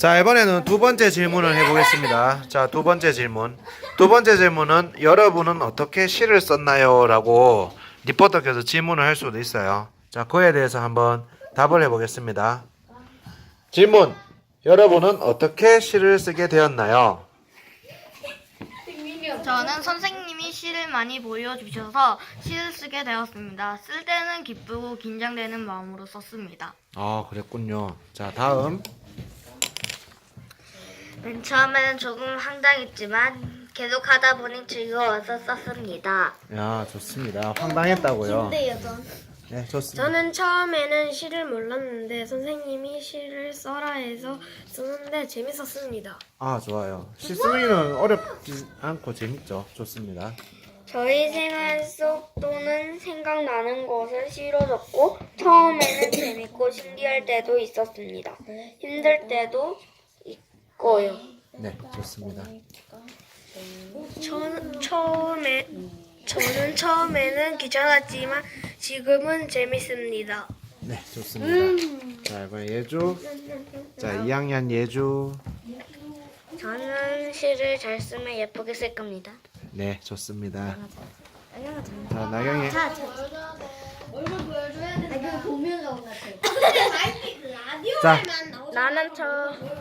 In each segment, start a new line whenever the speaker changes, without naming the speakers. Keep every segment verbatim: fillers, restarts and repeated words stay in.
자, 이번에는 두 번째 질문을 해보겠습니다. 자, 두 번째 질문. 두 번째 질문은 여러분은 어떻게 시를 썼나요? 라고 리포터께서 질문을 할 수도 있어요. 자, 그에 대해서 한번 답을 해보겠습니다. 질문. 여러분은 어떻게 시를 쓰게 되었나요?
저는 선생님이 시를 많이 보여주셔서 시를 쓰게 되었습니다. 쓸 때는 기쁘고 긴장되는 마음으로 썼습니다.
아, 그랬군요. 자, 다음.
맨 처음에는 조금 황당했지만 계속 하다 보니 즐거워서 썼습니다.
야, 좋습니다. 황당했다고요. 네, 좋습니다.
저는 처음에는 시를 몰랐는데 선생님이 시를 써라 해서 쓰는데 재밌었습니다.
아, 좋아요. 시 쓰기는 어렵지 않고 재밌죠. 좋습니다.
저희 생활 속 또는 생각나는 것을 시로 적고 처음에는 재밌고 신기할 때도 있었습니다. 힘들 때도 있고요.
네, 좋습니다.
저, 처음에 저는 처음에는 귀찮았지만 지금은 재밌습니다.
네, 좋습니다. 자, 이번 예주. 자, 이 학년 예주.
저는 시를 잘 쓰면 예쁘게 쓸 겁니다.
네, 좋습니다. 자, 나경이. 자,
나는 처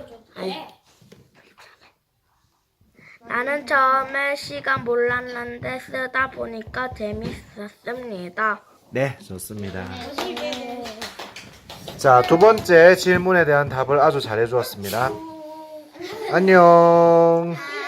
나는 처음에 시가 몰랐는데 쓰다 보니까 재밌었습니다.
네, 좋습니다. 자, 두 번째 질문에 대한 답을 아주 잘해 주었습니다. 안녕.